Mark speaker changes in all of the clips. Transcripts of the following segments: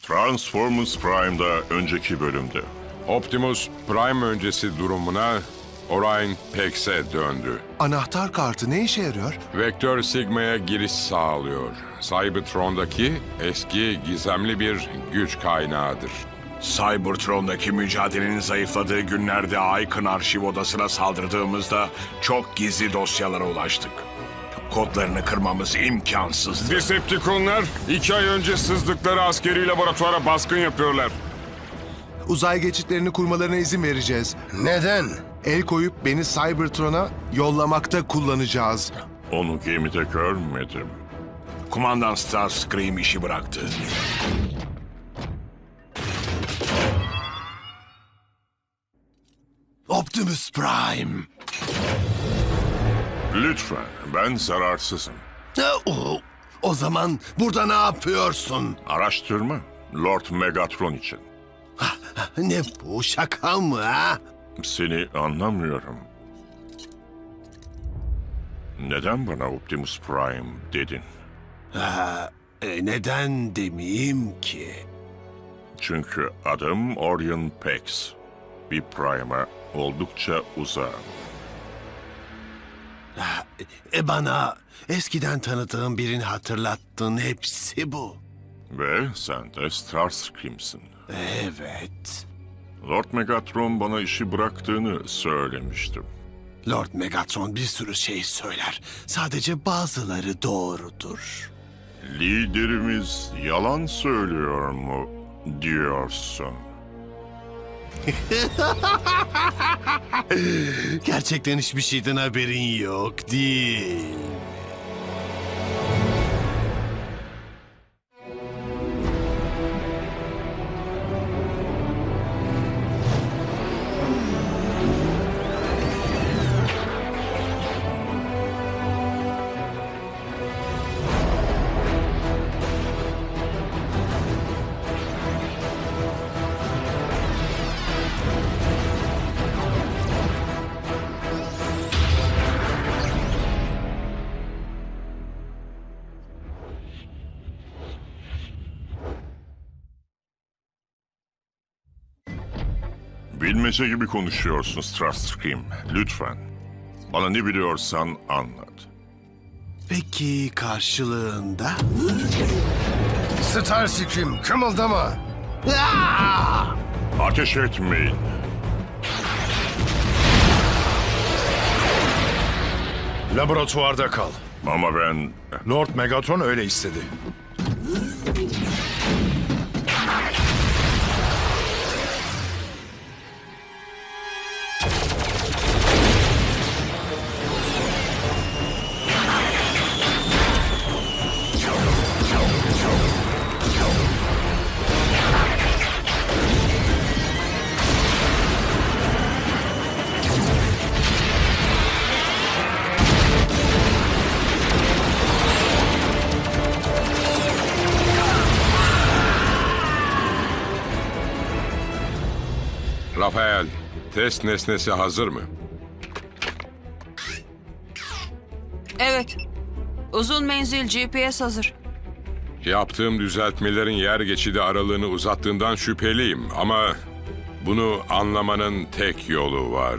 Speaker 1: Transformers Prime'da önceki bölümde.
Speaker 2: Optimus Prime öncesi durumuna Orion Pax'e döndü.
Speaker 3: Anahtar kartı ne işe yarıyor?
Speaker 2: Vektör Sigma'ya giriş sağlıyor. Cybertron'daki eski gizemli bir güç kaynağıdır.
Speaker 4: Cybertron'daki mücadelenin zayıfladığı günlerde Icon arşiv odasına saldırdığımızda çok gizli dosyalara ulaştık. Kodlarını kırmamız imkansızdı.
Speaker 2: Decepticonlar 2 ay önce sızdıkları askeri laboratuvara baskın yapıyorlar.
Speaker 3: Uzay geçitlerini kurmalarına izin vereceğiz.
Speaker 5: Neden?
Speaker 3: El koyup beni Cybertron'a yollamakta kullanacağız.
Speaker 1: Onu gemide görmedim.
Speaker 4: Kumandan Starscream işi bıraktı.
Speaker 5: Optimus Prime.
Speaker 1: Lütfen, ben zararsızım.
Speaker 5: O zaman burada ne yapıyorsun?
Speaker 1: Araştırma, Lord Megatron için.
Speaker 5: Ne bu, şaka mı ha?
Speaker 1: Seni anlamıyorum. Neden bana Optimus Prime dedin?
Speaker 5: Neden demeyeyim ki?
Speaker 1: Çünkü adım Orion Pax. Bir Prime'a oldukça uzağım.
Speaker 5: Bana eskiden tanıdığım birini hatırlattın, hepsi bu.
Speaker 1: Ve sen de Starscream'sin.
Speaker 5: Evet.
Speaker 1: Lord Megatron bana işi bıraktığını söylemiştim.
Speaker 5: Lord Megatron bir sürü şey söyler. Sadece bazıları doğrudur.
Speaker 1: Liderimiz yalan söylüyor mu diyorsun?
Speaker 5: Gerçekten hiçbir şeyden haberin yok, değil.
Speaker 1: Bilmece gibi konuşuyorsun Starscream. Lütfen. Bana ne biliyorsan anlat.
Speaker 5: Peki karşılığında?
Speaker 6: Starscream, kımıldama.
Speaker 1: Ateş etmeyin.
Speaker 6: Laboratuvarda kal.
Speaker 1: Ama ben...
Speaker 6: Lord Megatron öyle istedi.
Speaker 2: Rafael, test nesnesi hazır mı?
Speaker 7: Evet. Uzun menzil GPS hazır.
Speaker 2: Yaptığım düzeltmelerin yer geçidi aralığını uzattığından şüpheliyim ama bunu anlamanın tek yolu var.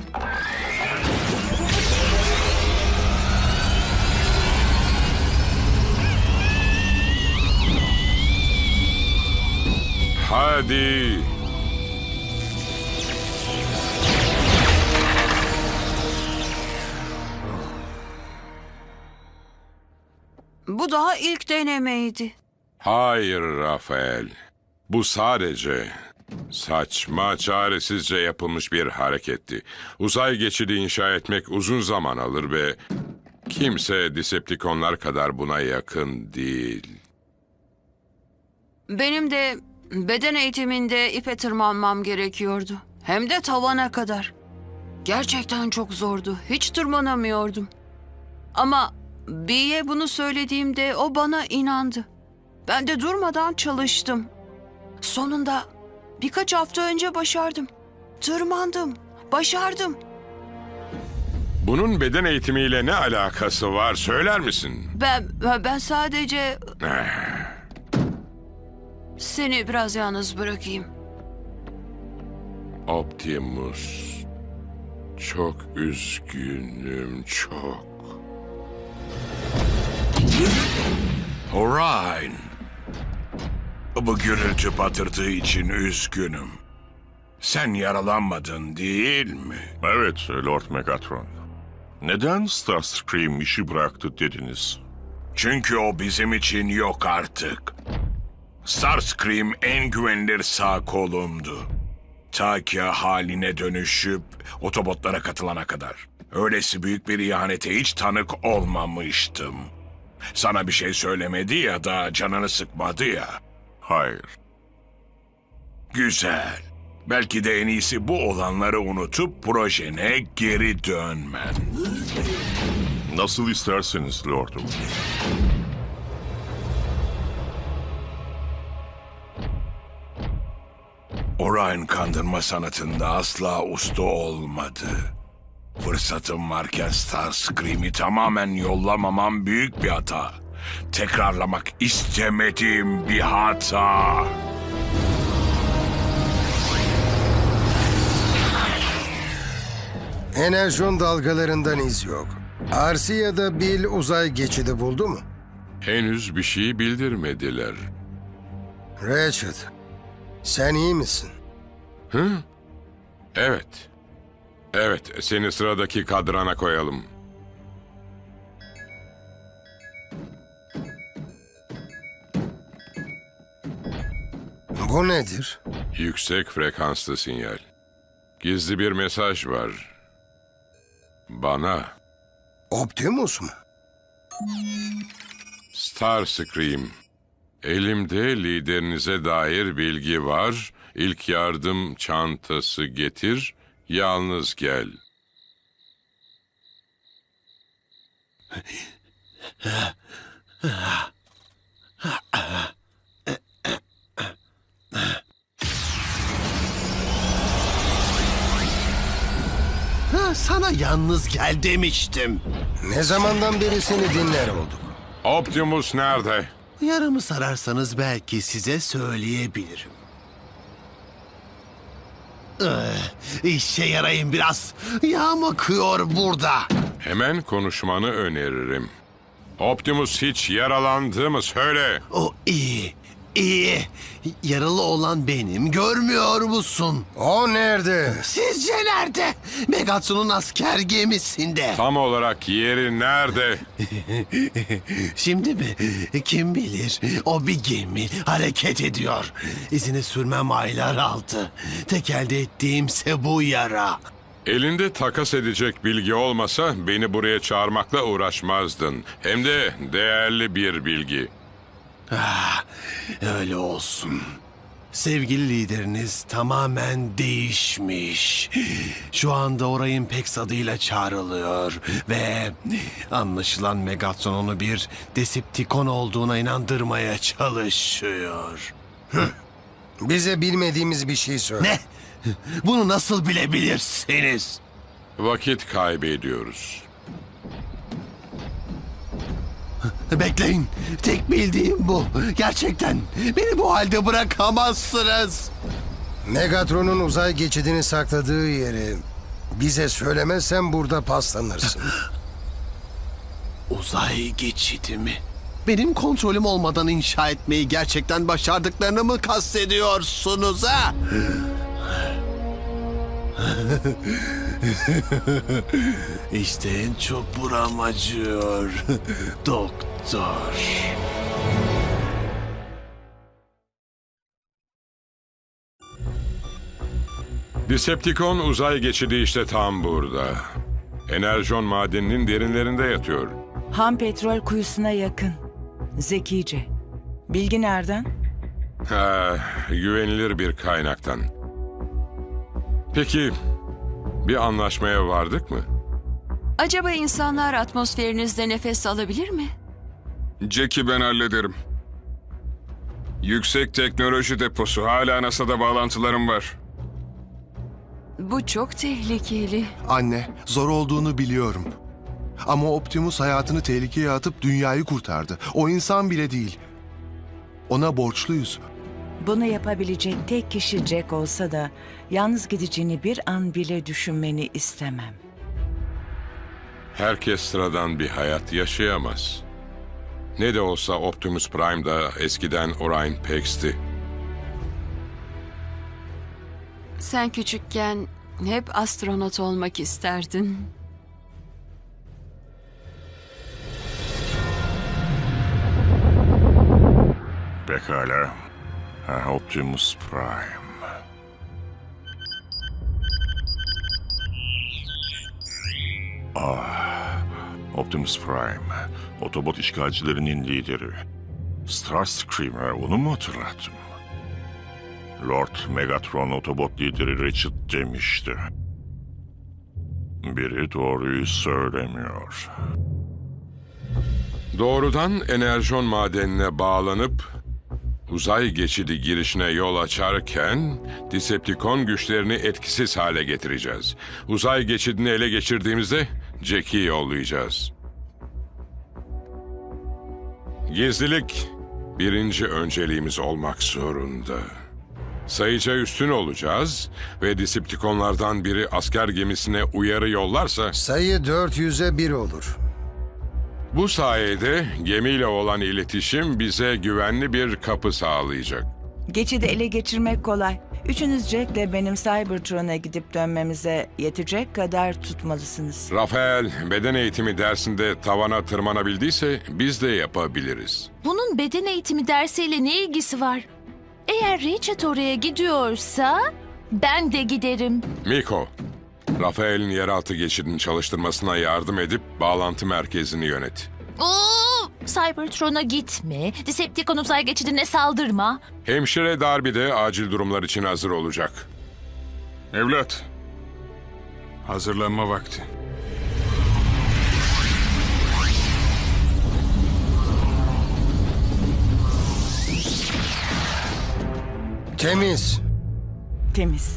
Speaker 2: Hadi.
Speaker 7: Bu daha ilk denemeydi.
Speaker 2: Hayır Rafael. Bu sadece saçma, çaresizce yapılmış bir hareketti. Uzay geçidi inşa etmek uzun zaman alır ve kimse Decepticonlar kadar buna yakın değil.
Speaker 7: Benim de beden eğitiminde ipe tırmanmam gerekiyordu. Hem de tavana kadar. Gerçekten çok zordu. Hiç tırmanamıyordum. Ama B'ye bunu söylediğimde o bana inandı. Ben de durmadan çalıştım. Sonunda birkaç hafta önce başardım. Tırmandım. Başardım.
Speaker 2: Bunun beden eğitimiyle ne alakası var söyler misin?
Speaker 7: Ben sadece... Seni biraz yalnız bırakayım.
Speaker 2: Optimus. Çok üzgünüm, çok.
Speaker 4: Orion. Bu gürültü patırtığı için üzgünüm. Sen yaralanmadın değil mi?
Speaker 1: Evet Lord Megatron. Neden Starscream işi bıraktı dediniz?
Speaker 4: Çünkü o bizim için yok artık. Starscream en güvenilir sağ kolumdu. Ta ki haline dönüşüp Autobotlara katılana kadar. Öylesi büyük bir ihanete hiç tanık olmamıştım. Sana bir şey söylemedi ya da canını sıkmadı ya.
Speaker 1: Hayır.
Speaker 4: Güzel. Belki de en iyisi bu olanları unutup projene geri dönmen.
Speaker 1: Nasıl isterseniz Lordum.
Speaker 4: Orion kandırma sanatında asla usta olmadı. Fırsatım varken Starscream'i tamamen yollamamam büyük bir hata. Tekrarlamak istemediğim bir hata.
Speaker 8: Enerjon dalgalarından iz yok. Arsi ya da Bill uzay geçidi buldu mu?
Speaker 2: Henüz bir şey bildirmediler.
Speaker 8: Ratchet, sen iyi misin?
Speaker 2: Hı? Evet. Evet, seni sıradaki kadrana koyalım.
Speaker 8: Bu nedir?
Speaker 2: Yüksek frekanslı sinyal. Gizli bir mesaj var. Bana.
Speaker 8: Optimus mu?
Speaker 2: Starscream. Elimde liderinize dair bilgi var. İlk yardım çantası getir. Yalnız gel.
Speaker 5: Sana yalnız gel demiştim.
Speaker 8: Ne zamandan beri seni dinler olduk?
Speaker 2: Optimus nerede?
Speaker 5: Yaramı sararsanız belki size söyleyebilirim. İşe yarayın biraz. Yağım akıyor burada.
Speaker 2: Hemen konuşmanı öneririm. Optimus hiç yaralandı mı söyle.
Speaker 5: O iyi, iyi. Yaralı olan benim, görmüyor musun?
Speaker 8: O nerede?
Speaker 5: Sizce nerede? Megatron'un asker gemisinde.
Speaker 2: Tam olarak yeri nerede?
Speaker 5: Şimdi mi? Kim bilir? O bir gemi hareket ediyor. İzini sürmem aylar aldı. Tek elde ettiğimse bu yara.
Speaker 2: Elinde takas edecek bilgi olmasa beni buraya çağırmakla uğraşmazdın. Hem de değerli bir bilgi.
Speaker 5: Öyle olsun. Sevgili lideriniz tamamen değişmiş. Şu anda Orion Pax adıyla çağrılıyor ve anlaşılan Megatron onu bir Decepticon olduğuna inandırmaya çalışıyor.
Speaker 8: Bize bilmediğimiz bir şey söyle.
Speaker 5: Ne? Bunu nasıl bilebilirsiniz?
Speaker 2: Vakit kaybediyoruz.
Speaker 5: Bekleyin. Tek bildiğim bu. Gerçekten. Beni bu halde bırakamazsınız.
Speaker 8: Megatron'un uzay geçidini sakladığı yeri bize söylemezsen burada paslanırsın.
Speaker 5: Uzay geçidi mi? Benim kontrolüm olmadan inşa etmeyi gerçekten başardıklarını mı kastediyorsunuz ha? İşte en çok buram acıyor. Doktor.
Speaker 2: Decepticon uzay geçidi işte tam burada. Enerjon madeninin derinlerinde yatıyor.
Speaker 9: Ham petrol kuyusuna yakın. Zekice. Bilgi nereden?
Speaker 2: Güvenilir bir kaynaktan. Peki bir anlaşmaya vardık mı?
Speaker 7: Acaba insanlar atmosferinizde nefes alabilir mi?
Speaker 10: Jack'i ben hallederim. Yüksek teknoloji deposu. Hala NASA'da bağlantılarım var.
Speaker 7: Bu çok tehlikeli.
Speaker 3: Anne, zor olduğunu biliyorum. Ama Optimus hayatını tehlikeye atıp dünyayı kurtardı. O insan bile değil. Ona borçluyuz.
Speaker 9: Bunu yapabilecek tek kişi Jack olsa da yalnız gideceğini bir an bile düşünmeni istemem.
Speaker 2: Herkes sıradan bir hayat yaşayamaz. Ne de olsa Optimus Prime da eskiden Orion Pax'ti.
Speaker 7: Sen küçükken hep astronot olmak isterdin.
Speaker 1: Pekala. Optimus Prime. Optimus Prime. Otobot işgalcilerinin lideri. Starscream'e onu mu hatırlattım? Lord Megatron Otobot lideri Richard demişti. Biri doğruyu söylemiyor.
Speaker 2: Doğrudan enerjon madenine bağlanıp uzay geçidi girişine yol açarken Decepticon güçlerini etkisiz hale getireceğiz. Uzay geçidini ele geçirdiğimizde Jack'i yollayacağız. Gizlilik birinci önceliğimiz olmak zorunda. Sayıca üstün olacağız ve Decepticonlardan biri asker gemisine uyarı yollarsa
Speaker 8: Sayı 400'e 1 olur.
Speaker 2: bu sayede gemiyle olan iletişim bize güvenli bir kapı sağlayacak.
Speaker 9: Geçidi ele geçirmek kolay. Üçünüz Jack'le benim Cybertron'a gidip dönmemize yetecek kadar tutmalısınız.
Speaker 2: Rafael beden eğitimi dersinde tavana tırmanabildiyse biz de yapabiliriz.
Speaker 11: Bunun beden eğitimi dersiyle ne ilgisi var? Eğer Richard oraya gidiyorsa ben de giderim.
Speaker 2: Miko, Rafael'in yeraltı geçidini çalıştırmasına yardım edip bağlantı merkezini yönet.
Speaker 11: Oo, Cybertron'a gitme. Decepticon uzay geçidine saldırma.
Speaker 2: Hemşire Darby de acil durumlar için hazır olacak.
Speaker 10: Evlat, hazırlanma vakti.
Speaker 8: Temiz.
Speaker 9: Temiz.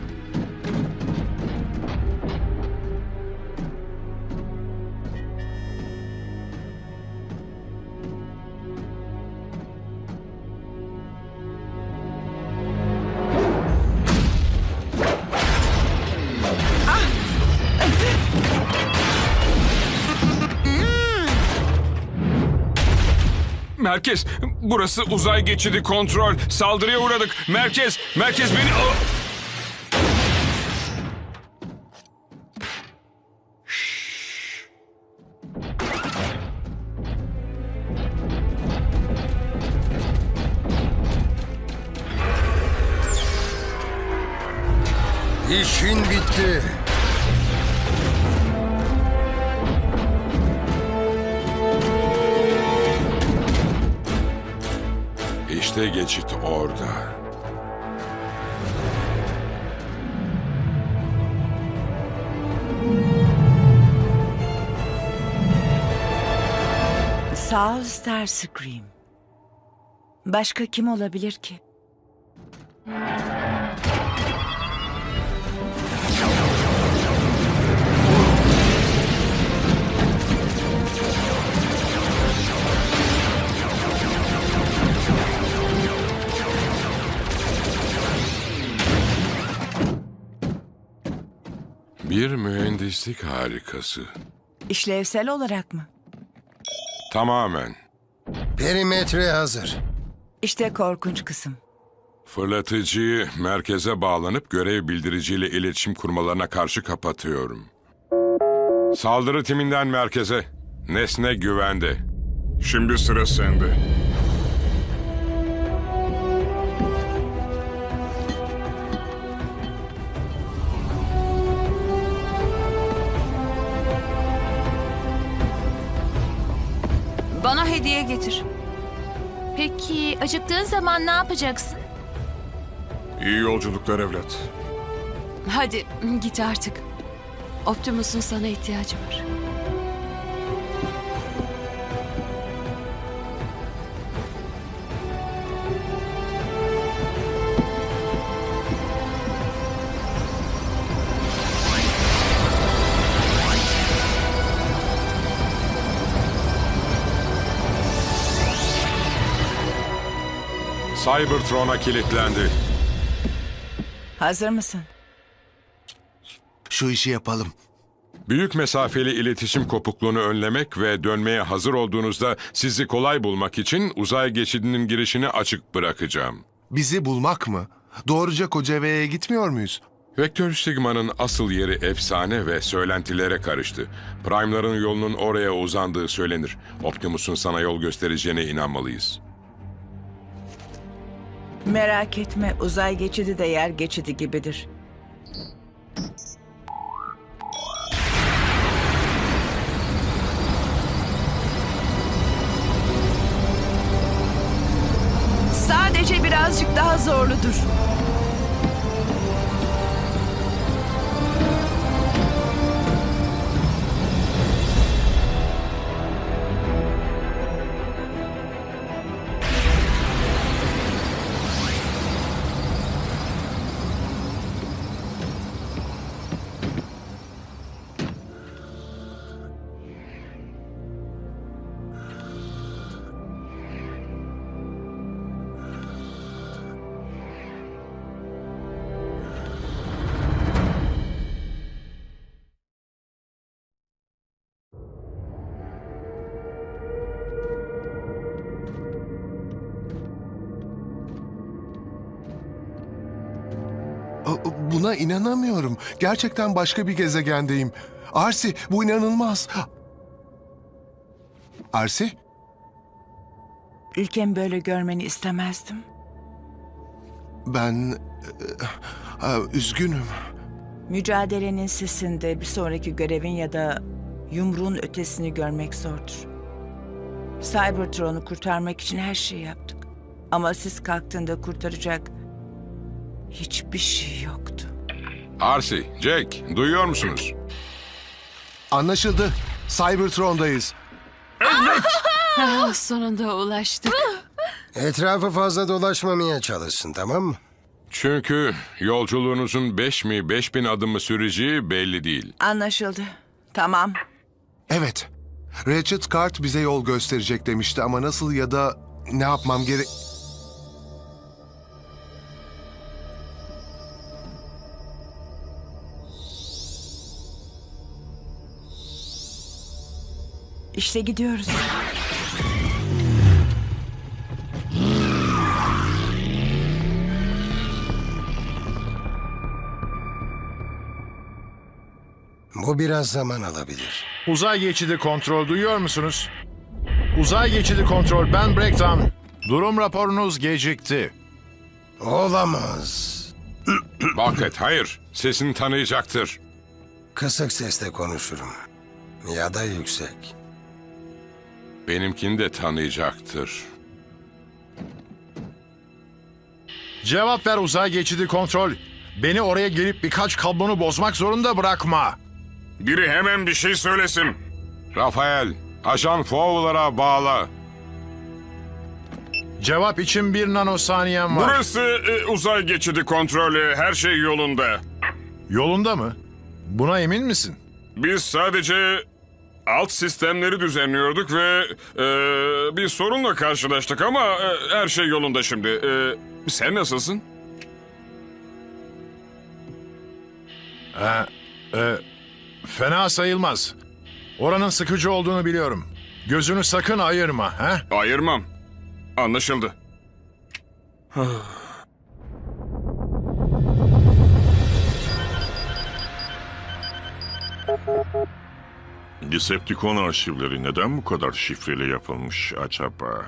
Speaker 10: Merkez, burası uzay geçidi kontrol. Saldırıya uğradık. Merkez beni...
Speaker 8: İşin bitti.
Speaker 2: İşte geçit orada.
Speaker 9: Sağ ol Starscream. Başka kim olabilir ki?
Speaker 2: Bir mühendislik harikası.
Speaker 9: İşlevsel olarak mı?
Speaker 2: Tamamen.
Speaker 8: Perimetre hazır.
Speaker 9: İşte korkunç kısım.
Speaker 2: Fırlatıcıyı merkeze bağlanıp görev bildiriciyle iletişim kurmalarına karşı kapatıyorum. Saldırı timinden merkeze. Nesne güvende.
Speaker 10: Şimdi sıra sende.
Speaker 7: Bana hediye getir.
Speaker 11: Peki acıktığın zaman ne yapacaksın?
Speaker 10: İyi yolculuklar evlat.
Speaker 7: Hadi git artık. Optimus'un sana ihtiyacı var.
Speaker 2: Cybertron'a kilitlendi.
Speaker 9: Hazır mısın?
Speaker 3: Şu işi yapalım.
Speaker 2: Büyük mesafeli iletişim kopukluğunu önlemek ve dönmeye hazır olduğunuzda sizi kolay bulmak için uzay geçidinin girişini açık bırakacağım.
Speaker 3: Bizi bulmak mı? Doğruca Kocaveya'ya gitmiyor muyuz?
Speaker 2: Vektör Sigma'nın asıl yeri efsane ve söylentilere karıştı. Prime'ların yolunun oraya uzandığı söylenir. Optimus'un sana yol göstereceğine inanmalıyız.
Speaker 9: Merak etme, uzay geçidi de yer geçidi gibidir. Sadece birazcık daha zorludur.
Speaker 3: Buna inanamıyorum. Gerçekten başka bir gezegendeyim. Arsi, bu inanılmaz. Arsi?
Speaker 9: Ülkemi böyle görmeni istemezdim.
Speaker 3: Ben... üzgünüm.
Speaker 9: Mücadelenin sesinde bir sonraki görevin ya da yumruğun ötesini görmek zordur. Cybertron'u kurtarmak için her şeyi yaptık. Ama siz kalktığında kurtaracak hiçbir şey yoktu.
Speaker 2: Arsi, Jack, duyuyor musunuz?
Speaker 3: Anlaşıldı. Cybertron'dayız.
Speaker 7: Sonunda ulaştık.
Speaker 8: Etrafı fazla dolaşmamaya çalışsın, tamam mı?
Speaker 2: Çünkü yolculuğunuzun 5 mi 5000 adım mı süreceği belli değil.
Speaker 9: Anlaşıldı. Tamam.
Speaker 3: Evet. Ratchet Kart bize yol gösterecek demişti ama nasıl ya da ne yapmam gerek...
Speaker 9: İşte gidiyoruz.
Speaker 8: Bu biraz zaman alabilir.
Speaker 6: Uzay geçidi kontrol duyuyor musunuz? Uzay geçidi kontrol, ben Breakdown. Durum raporunuz gecikti.
Speaker 8: Olamaz.
Speaker 2: Bucket, hayır. Sesini tanıyacaktır.
Speaker 8: Kısık sesle konuşurum. Ya da yüksek.
Speaker 2: Benimkini de tanıyacaktır.
Speaker 6: Cevap ver uzay geçidi kontrol. Beni oraya gelip birkaç kablonu bozmak zorunda bırakma.
Speaker 10: Biri hemen bir şey söylesin.
Speaker 2: Rafael, Ajan Fowler'a bağla.
Speaker 6: Cevap için 1 nanosaniyen var.
Speaker 10: Burası uzay geçidi kontrolü. Her şey yolunda.
Speaker 6: Yolunda mı? Buna emin misin?
Speaker 10: Biz sadece alt sistemleri düzenliyorduk ve bir sorunla karşılaştık ama her şey yolunda şimdi. Sen nasılsın?
Speaker 6: Fena sayılmaz. Oranın sıkıcı olduğunu biliyorum. Gözünü sakın ayırma, he?
Speaker 10: Ayırmam. Anlaşıldı.
Speaker 1: Decepticon arşivleri neden bu kadar şifreli yapılmış acaba?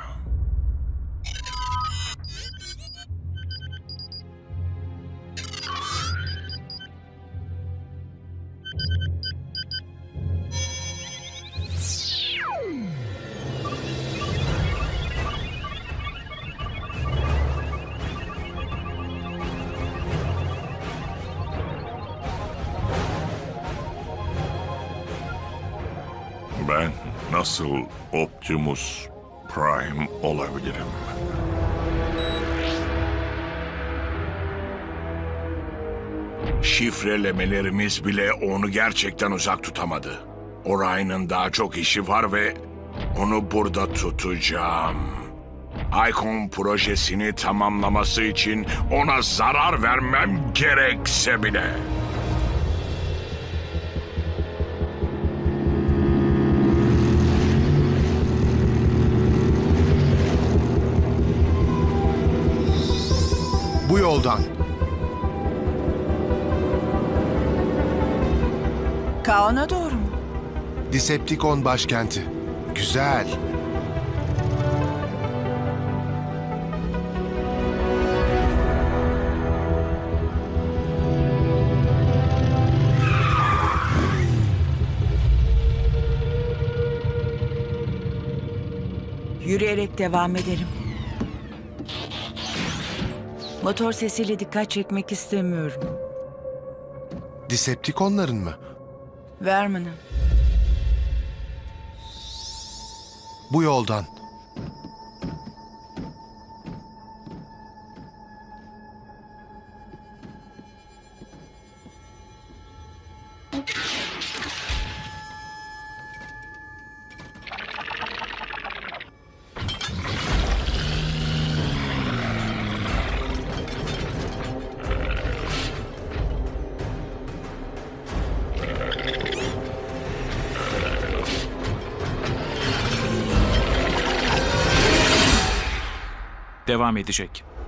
Speaker 1: Ben nasıl Optimus Prime olabilirim?
Speaker 4: Şifrelemelerimiz bile onu gerçekten uzak tutamadı. Orion'un daha çok işi var ve onu burada tutacağım. Icon projesini tamamlaması için ona zarar vermem gerekse bile.
Speaker 3: Bu yoldan.
Speaker 9: Kaon'a doğru mu?
Speaker 3: Decepticon başkenti. Güzel.
Speaker 9: Yürüyerek devam edelim. Motor sesiyle dikkat çekmek istemiyorum.
Speaker 3: Decepticonların mı?
Speaker 9: Verman'ın.
Speaker 3: Bu yoldan.
Speaker 12: Devam edecek.